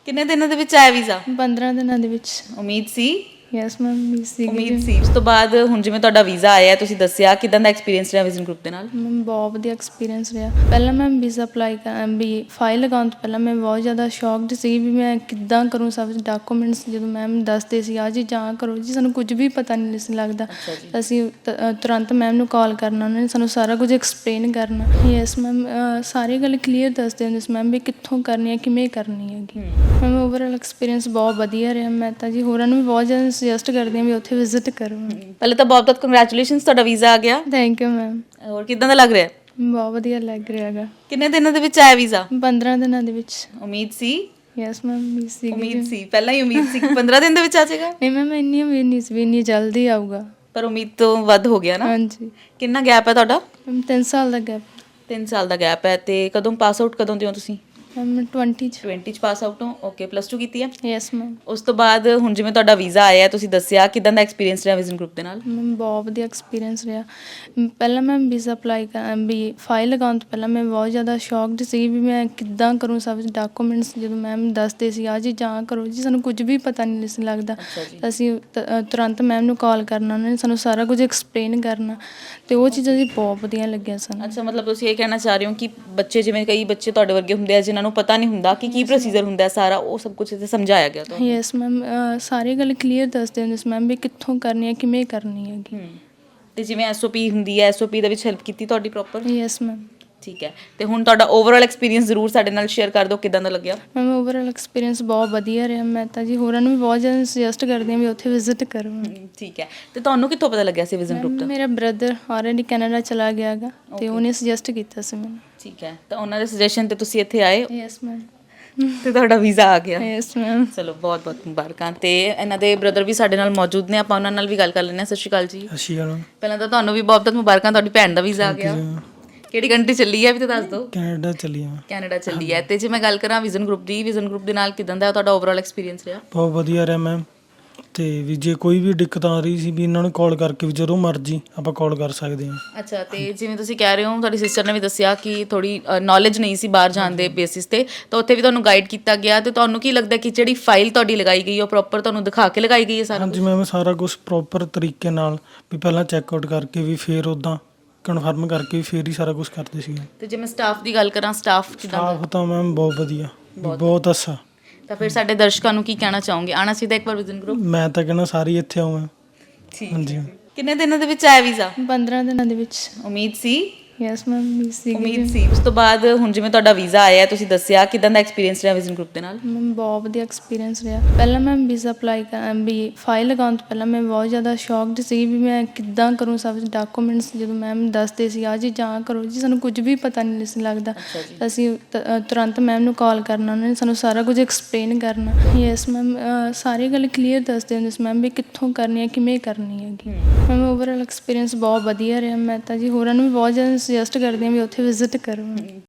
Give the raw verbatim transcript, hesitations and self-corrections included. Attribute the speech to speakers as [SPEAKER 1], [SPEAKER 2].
[SPEAKER 1] ਕਿੰਨੇ ਦਿਨਾਂ ਦੇ ਵਿੱਚ ਆਇਆ ਵੀਜ਼ਾ?
[SPEAKER 2] ਪੰਦਰਾਂ ਦਿਨਾਂ ਦੇ ਵਿੱਚ।
[SPEAKER 1] ਉਮੀਦ ਸੀ?
[SPEAKER 2] ਯੈਸ ਮੈਮ ਵੀ ਸੀ।
[SPEAKER 1] ਉਮੀਦ ਸੀ। ਉਸ ਤੋਂ ਬਾਅਦ ਹੁਣ ਜਿਵੇਂ ਤੁਹਾਡਾ ਵੀਜ਼ਾ ਆਇਆ, ਤੁਸੀਂ ਦੱਸਿਆ ਕਿਦਾਂ ਦਾ ਐਕਸਪੀਰੀਅੰਸ ਰਿਹਾ ਵਿਜ਼ਨ ਗਰੁੱਪ ਦੇ ਨਾਲ?
[SPEAKER 2] ਮੈਮ ਬਹੁਤ ਵਧੀਆ ਐਕਸਪੀਰੀਅੰਸ ਰਿਹਾ। ਪਹਿਲਾਂ ਮੈਂ ਵੀਜ਼ਾ ਅਪਲਾਈ ਕਰ ਵੀ ਫਾਈਲ ਲਗਾਉਣ ਤੋਂ ਪਹਿਲਾਂ ਮੈਂ ਬਹੁਤ ਜ਼ਿਆਦਾ ਸ਼ੌਕਡ ਸੀ ਵੀ ਮੈਂ ਕਿੱਦਾਂ ਕਰੂੰ ਸਭ ਡਾਕੂਮੈਂਟਸ। ਜਦੋਂ ਮੈਮ ਦੱਸਦੇ ਸੀ ਆਹ ਚੀਜ਼ਾਂ ਆਹ ਕਰੋ ਜੀ, ਸਾਨੂੰ ਕੁਝ ਵੀ ਪਤਾ ਨਹੀਂ ਸੀ ਲੱਗਦਾ। ਅਸੀਂ ਤ- ਅ, ਤੁਰੰਤ ਮੈਮ ਨੂੰ ਕਾਲ ਕਰਨਾ, ਉਹਨਾਂ ਨੇ ਸਾਨੂੰ ਸਾਰਾ ਕੁਝ ਐਕਸਪਲੇਨ ਕਰਨਾ। ਯੈਸ ਮੈਮ ਸਾਰੀ ਗੱਲ ਕਲੀਅਰ ਦੱਸਦੇ ਹੁੰਦੇ ਸੀ ਮੈਮ ਵੀ ਕਿੱਥੋਂ ਕਰਨੀ ਹੈ, ਕਿਵੇਂ ਕਰਨੀ ਹੈਗੀ। ਮੈਮ ਓਵਰਆਲ ਐਕਸਪੀਰੀਅੰਸ ਬਹੁਤ ਵਧੀਆ ਰਿਹਾ। ਮੈਂ ਤਾਂ ਜੀ ਹੋਰਾਂ ਨੂੰ ਵੀ ਬਹੁਤ ਜ਼ਿਆਦਾ ਸੁਜੈਸਟ ਕਰਦੀ ਹਾਂ ਵੀ ਉੱਥੇ ਵਿਜ਼ਿਟ ਕਰੋ।
[SPEAKER 1] ਪਹਿਲੇ ਤਾਂ ਬਹੁਤ ਬਹੁਤ ਕੰਗ੍ਰੈਚੁਲੇਸ਼ਨਸ, ਤੁਹਾਡਾ ਵੀਜ਼ਾ ਆ ਗਿਆ।
[SPEAKER 2] Thank you ma'am.
[SPEAKER 1] ਹੋਰ ਕਿਦਾਂ ਦਾ ਲੱਗ ਰਿਹਾ?
[SPEAKER 2] ਬਹੁਤ ਵਧੀਆ ਲੱਗ ਰਿਹਾ ਹੈਗਾ।
[SPEAKER 1] ਕਿੰਨੇ ਦਿਨਾਂ ਦੇ ਵਿੱਚ ਆਇਆ ਵੀਜ਼ਾ?
[SPEAKER 2] ਪੰਦਰਾਂ ਦਿਨਾਂ ਦੇ ਵਿੱਚ।
[SPEAKER 1] ਉਮੀਦ ਸੀ?
[SPEAKER 2] ਯੈਸ ਮੈਮ ਵੀ ਸੀ।
[SPEAKER 1] ਉਮੀਦ ਸੀ, ਪਹਿਲਾਂ ਹੀ ਉਮੀਦ ਸੀ ਕਿ ਪੰਦਰਾਂ ਦਿਨ ਦੇ ਵਿੱਚ ਆ ਜਾਏਗਾ।
[SPEAKER 2] ਨਹੀਂ ਮੈਮ ਇੰਨੀ ਉਮੀਦ ਨਹੀਂ ਸੀ ਵੀ ਇੰਨੀ ਜਲਦੀ ਆਊਗਾ।
[SPEAKER 1] ਪਰ ਉਮੀਦ ਤੋਂ ਵੱਧ ਹੋ ਗਿਆ ਨਾ।
[SPEAKER 2] ਹਾਂਜੀ
[SPEAKER 1] ਕਿੰਨਾ ਗੈਪ ਹੈ ਤੁਹਾਡਾ?
[SPEAKER 2] ਮੈਮ ਤਿੰਨ ਸਾਲ ਦਾ ਗੈਪ।
[SPEAKER 1] ਤਿੰਨ ਸਾਲ ਦਾ ਗੈਪ ਹੈ। ਤੇ ਕਦੋਂ ਪਾਸ ਆਊਟ ਕਦੋਂ ਦੇ ਹੋ ਤੁਸੀਂ?
[SPEAKER 2] ਮੈਮ ਟਵੰਟੀ 'ਚ।
[SPEAKER 1] ਟਵੈਂਟੀ ਚ ਪਾਸ ਆਊਟ ਹੋ। ਓਕੇ, ਪਲੱਸ ਟੂ ਕੀਤੀ ਹੈ।
[SPEAKER 2] Yes ma'am.
[SPEAKER 1] ਉਸ ਤੋਂ ਬਾਅਦ ਹੁਣ ਜਿਵੇਂ ਤੁਹਾਡਾ ਵੀਜ਼ਾ ਆਇਆ, ਤੁਸੀਂ ਦੱਸਿਆ ਕਿਦਾਂ ਦਾ ਐਕਸਪੀਰੀਅੰਸ ਰਿਹਾ ਵਿਜ਼ਨ ਗਰੁੱਪ ਦੇ ਨਾਲ?
[SPEAKER 2] ਮੈਮ ਬਹੁਤ ਵਧੀਆ ਐਕਸਪੀਰੀਅੰਸ ਰਿਹਾ। ਮ, ਪਹਿਲਾਂ ਮੈਂ ਵੀਜ਼ਾ ਅਪਲਾਈ ਕਰ ਵੀ ਫਾਈਲ ਲਗਾਉਣ ਤੋਂ ਪਹਿਲਾਂ ਮੈਂ ਬਹੁਤ ਜ਼ਿਆਦਾ ਸ਼ੌਕਡ ਸੀ ਵੀ ਮੈਂ ਕਿੱਦਾਂ ਕਰੂੰ ਸਭ ਡਾਕੂਮੈਂਟਸ। ਜਦੋਂ ਮੈਮ ਦੱਸਦੇ ਸੀ ਆਹ ਚੀਜ਼ਾਂ ਆਹ ਕਰੋ ਜੀ, ਸਾਨੂੰ ਕੁਝ ਵੀ ਪਤਾ ਨਹੀਂ ਸੀ ਲੱਗਦਾ। ਅਸੀਂ ਤ- ਅ, ਤੁਰੰਤ ਮੈਮ ਨੂੰ ਕਾਲ ਕਰਨਾ, ਉਹਨਾਂ ਨੇ ਸਾਨੂੰ ਸਾਰਾ ਕੁਝ ਐਕਸਪਲੇਨ ਕਰਨਾ ਅਤੇ ਉਹ ਚੀਜ਼ਾਂ ਜੀ ਬਹੁਤ ਵਧੀਆ ਲੱਗੀਆਂ ਸਾਨੂੰ।
[SPEAKER 1] ਅੱਛਾ, ਮਤਲਬ ਤੁਸੀਂ ਇਹ ਕਹਿਣਾ ਚਾਹ ਰਹੇ ਹੋ ਕਿ ਬੱਚੇ, ਜਿਵੇਂ ਕਈ ਬੱਚੇ ਤੁਹਾਡੇ ਵਰਗੇ ਹੁੰਦੇ ਆ ਜਿਨ੍ਹਾਂ ਨੂੰ ਪਤਾ ਨਹੀਂ ਹੁੰਦਾ ਕਿ ਕੀ ਪ੍ਰੋਸੀਜਰ ਹੁੰਦਾ ਹੈ ਸਾਰਾ, ਉਹ ਸਭ ਕੁਝ ਇੱਥੇ ਸਮਝਾਇਆ ਗਿਆ ਤੁਹਾਨੂੰ?
[SPEAKER 2] ਯੈਸ ਮੈਮ ਸਾਰੀ ਗੱਲ ਕਲੀਅਰ ਦੱਸਦੇ ਹੁੰਦੇ ਸੀ ਮੈਮ ਵੀ ਕਿੱਥੋਂ ਕਰਨੀ ਹੈ, ਕਿਵੇਂ ਕਰਨੀ ਹੈਗੀ।
[SPEAKER 1] ਹੂੰ। ਤੇ ਜਿਵੇਂ ਐਸ ਓ ਪੀ ਹੁੰਦੀ ਹੈ, ਐਸ ਓ ਪੀ ਦੇ ਵਿੱਚ ਹੈਲਪ ਕੀਤੀ ਤੁਹਾਡੀ ਪ੍ਰੋਪਰ?
[SPEAKER 2] Yes ma'am.
[SPEAKER 1] ਠੀਕ ਹੈ। ਤੇ ਹੁਣ ਤੁਹਾਡਾ ਓਵਰਆਲ ਐਕਸਪੀਰੀਅੰਸ ਜ਼ਰੂਰ ਸਾਡੇ ਨਾਲ ਸ਼ੇਅਰ ਕਰ ਦਿਓ, ਕਿਦਾਂ ਦਾ ਲੱਗਿਆ?
[SPEAKER 2] ਮੈਮ ਓਵਰਆਲ ਐਕਸਪੀਰੀਅੰਸ ਬਹੁਤ ਵਧੀਆ ਰਿਹਾ। ਮੈਂ ਤਾਂ ਜੀ ਹੋਰਾਂ ਨੂੰ ਵੀ ਬਹੁਤ ਜ਼ਿਆਦਾ ਸੁਜੈਸਟ ਕਰਦੀ ਹਾਂ ਵੀ ਉੱਥੇ ਵਿਜ਼ਿਟ ਕਰੋ।
[SPEAKER 1] ਹਮ, ਠੀਕ ਹੈ। ਤੇ ਤੁਹਾਨੂੰ ਕਿੱਥੋਂ ਪਤਾ ਲੱਗਿਆ ਸੀ ਵਿਜ਼ਨ ਗਰੁੱਪ
[SPEAKER 2] ਮੈਮ
[SPEAKER 1] ਦਾ?
[SPEAKER 2] ਮੇਰਾ ਬ੍ਰਦਰ ਆਲਰੇਡੀ ਕੈਨੇਡਾ ਚਲਾ ਗਿਆ ਹੈਗਾ ਅਤੇ ਉਹਨੇ ਸੁਜੈਸਟ ਕੀਤਾ ਸੀ ਮੈਨੂੰ।
[SPEAKER 1] ਠੀਕ ਹੈ। ਤਾਂ ਉਹਨਾਂ ਦੇ ਸੁਜੈਸ਼ਨ ਤੇ ਤੁਸੀਂ ਇੱਥੇ ਆਏ
[SPEAKER 2] ਯੈਸ ਮੈਮ।
[SPEAKER 1] ਤੇ ਤੁਹਾਡਾ ਵੀਜ਼ਾ ਆ ਗਿਆ।
[SPEAKER 2] Yes ma'am.
[SPEAKER 1] ਚਲੋ, ਬਹੁਤ ਬਹੁਤ ਮੁਬਾਰਕਾਂ। ਤੇ ਇਹਨਾਂ ਦੇ ਬ੍ਰਦਰ ਵੀ ਸਾਡੇ ਨਾਲ ਮੌਜੂਦ ਨੇ, ਆਪਾਂ ਉਹਨਾਂ ਨਾਲ ਵੀ ਗੱਲ ਕਰ ਲੈਂਦੇ ਹਾਂ। ਸਤਿ ਸ਼੍ਰੀ ਅਕਾਲ ਜੀ।
[SPEAKER 3] ਸਤਿ ਸ਼੍ਰੀ ਅਕਾਲ।
[SPEAKER 1] ਪਹਿਲਾਂ ਤਾਂ ਤੁਹਾਨੂੰ ਵੀ ਬਹੁਤ ਬਹੁਤ ਮੁਬਾਰਕਾਂ, ਤੁਹਾਡੀ ਭੈਣ ਦਾ ਵੀਜ਼ਾ ਆ ਗਿਆ। ਕਿਹੜੀ ਕੰਟਰੀ ਚੱਲੀ ਹੈ ਵੀ ਤਾਂ ਦੱਸ ਦਿਓ।
[SPEAKER 3] ਕੈਨੇਡਾ ਚੱਲੀ ਆ।
[SPEAKER 1] ਕੈਨੇਡਾ ਚੱਲੀ ਹੈ। ਤੇ ਜੇ ਮੈਂ ਗੱਲ ਕਰਾਂ ਵਿਜ਼ਨ ਗਰੁੱਪ ਦੀ, ਵਿਜ਼ਨ ਗਰੁੱਪ ਦੇ ਨਾਲ ਕਿਦਾਂ ਦਾ ਤੁਹਾਡਾ ਓਵਰਆਲ ਐਕਸਪੀਰੀਅੰਸ ਰਿਹਾ?
[SPEAKER 3] ਬਹੁਤ ਵਧੀਆ ਰਿਹਾ ਮੈਮ। ਤੇ ਵੀ ਜੇ ਕੋਈ ਵੀ ਦਿੱਕਤ ਆ ਰਹੀ ਸੀ ਵੀ ਇਹਨਾਂ ਨੂੰ ਕਾਲ ਕਰਕੇ ਵੀ ਜਦੋਂ ਮਰਜ਼ੀ ਆਪਾਂ ਕਾਲ ਕਰ ਸਕਦੇ ਹਾਂ।
[SPEAKER 1] ਅੱਛਾ, ਤੇ ਜਿਵੇਂ ਤੁਸੀਂ ਕਹਿ ਰਹੇ ਹੋ ਤੁਹਾਡੀ ਸਿਸਟਰ ਨੇ ਵੀ ਦੱਸਿਆ ਕਿ ਥੋੜੀ ਨੌਲੇਜ ਨਹੀਂ ਸੀ ਬਾਹਰ ਜਾਣ ਦੇ ਬੇਸਿਸ ਤੇ, ਤਾਂ ਉੱਥੇ ਵੀ ਤੁਹਾਨੂੰ ਗਾਈਡ ਕੀਤਾ ਗਿਆ। ਤੇ ਤੁਹਾਨੂੰ ਕੀ ਲੱਗਦਾ ਕਿ ਜਿਹੜੀ ਫਾਈਲ ਤੁਹਾਡੀ ਲਗਾਈ ਗਈ ਉਹ ਪ੍ਰੋਪਰ ਤੁਹਾਨੂੰ ਦਿਖਾ ਕੇ ਲਗਾਈ ਗਈ ਹੈ ਸਾਰਾ?
[SPEAKER 3] ਹਾਂਜੀ ਮੈਮ, ਸਾਰਾ ਕੁਝ ਪ੍ਰੋਪਰ ਤਰੀਕੇ ਨਾਲ ਵੀ ਪਹਿਲਾਂ ਚੈੱਕ ਆਊਟ ਕਰਕੇ ਵੀ ਫਿਰ ਉੱਦਾਂ ਕਨਫਰਮ ਕਰਕੇ ਵੀ ਫਿਰ ਹੀ ਸਾਰਾ ਕੁਝ ਕਰਦੇ ਸੀ।
[SPEAKER 1] ਤੇ ਜੇ ਮੈਂ ਸਟਾਫ ਦੀ ਗੱਲ ਕਰਾਂ, ਸਟਾਫ ਕਿਦਾਂ ਦਾ?
[SPEAKER 3] ਸਟਾਫ ਤਾਂ ਮੈਮ ਬਹੁਤ ਵਧੀਆ, ਬਹੁਤ ਅੱਛਾ।
[SPEAKER 1] ਤਾਂ ਫਿਰ ਸਾਡੇ ਦਰਸ਼ਕਾਂ ਨੂੰ ਕੀ ਕਹਿਣਾ ਚਾਹੋਗੇ? ਆਉਣਾ ਚਾਹੀਦਾ ਇੱਕ ਵਾਰ ਵਿਜ਼ਨ ਗਰੁੱਪ?
[SPEAKER 3] ਮੈਂ ਤਾਂ ਕਹਿੰਦਾ ਸਾਰੇ ਹੀ ਇੱਥੇ ਆਉਂ।
[SPEAKER 1] ਠੀਕ।
[SPEAKER 3] ਹਾਂਜੀ।
[SPEAKER 1] ਕਿੰਨੇ ਦਿਨਾਂ ਦੇ ਵਿੱਚ ਆਇਆ ਵੀਜ਼ਾ?
[SPEAKER 2] ਪੰਦਰਾਂ ਦਿਨਾਂ ਦੇ ਵਿੱਚ।
[SPEAKER 1] ਉਮੀਦ ਸੀ?
[SPEAKER 2] ਯੈਸ ਮੈਮ ਵੀ ਸੀ।
[SPEAKER 1] ਉਮੀਦ ਸੀ। ਉਸ ਤੋਂ ਬਾਅਦ ਹੁਣ ਜਿਵੇਂ ਤੁਹਾਡਾ ਵੀਜ਼ਾ ਆਇਆ, ਤੁਸੀਂ ਦੱਸਿਆ ਕਿਦਾਂ ਦਾ ਐਕਸਪੀਰੀਅੰਸ ਰਿਹਾ ਵਿਜ਼ਨ ਗਰੁੱਪ ਦੇ ਨਾਲ?
[SPEAKER 2] ਮੈਮ ਬਹੁਤ ਵਧੀਆ ਐਕਸਪੀਰੀਅੰਸ ਰਿਹਾ। ਪਹਿਲਾਂ ਮੈਂ ਵੀਜ਼ਾ ਅਪਲਾਈ ਕਰ ਵੀ ਫਾਈਲ ਲਗਾਉਣ ਤੋਂ ਪਹਿਲਾਂ ਮੈਂ ਬਹੁਤ ਜ਼ਿਆਦਾ ਸ਼ੌਕਡ ਸੀ ਵੀ ਮੈਂ ਕਿੱਦਾਂ ਕਰੂੰ ਸਭ ਡਾਕੂਮੈਂਟਸ। ਜਦੋਂ ਮੈਮ ਦੱਸਦੇ ਸੀ ਆਹ ਚੀਜ਼ਾਂ ਆਹ ਕਰੋ ਜੀ, ਸਾਨੂੰ ਕੁਝ ਵੀ ਪਤਾ ਨਹੀਂ ਸੀ ਲੱਗਦਾ। ਅਸੀਂ ਤ- ਅ, ਤੁਰੰਤ ਮੈਮ ਨੂੰ ਕਾਲ ਕਰਨਾ, ਉਹਨਾਂ ਨੇ ਸਾਨੂੰ ਸਾਰਾ ਕੁਝ ਐਕਸਪਲੇਨ ਕਰਨਾ। ਯੈਸ ਮੈਮ ਸਾਰੀ ਗੱਲ ਕਲੀਅਰ ਦੱਸਦੇ ਹੁੰਦੇ ਸੀ ਮੈਮ ਵੀ ਕਿੱਥੋਂ ਕਰਨੀ ਹੈ, ਕਿਵੇਂ ਕਰਨੀ ਹੈਗੀ। ਮੈਮ ਓਵਰਆਲ ਐਕਸਪੀਰੀਅੰਸ ਬਹੁਤ ਵਧੀਆ ਰਿਹਾ। ਮੈਂ ਤਾਂ ਜੀ ਹੋਰਾਂ ਨੂੰ ਵੀ ਬਹੁਤ ਜ਼ਿਆਦਾ ਸੁਜੈਸਟ ਕਰਦੀ ਹਾਂ ਵੀ ਉੱਥੇ ਵਿਜ਼ਿਟ ਕਰੋ।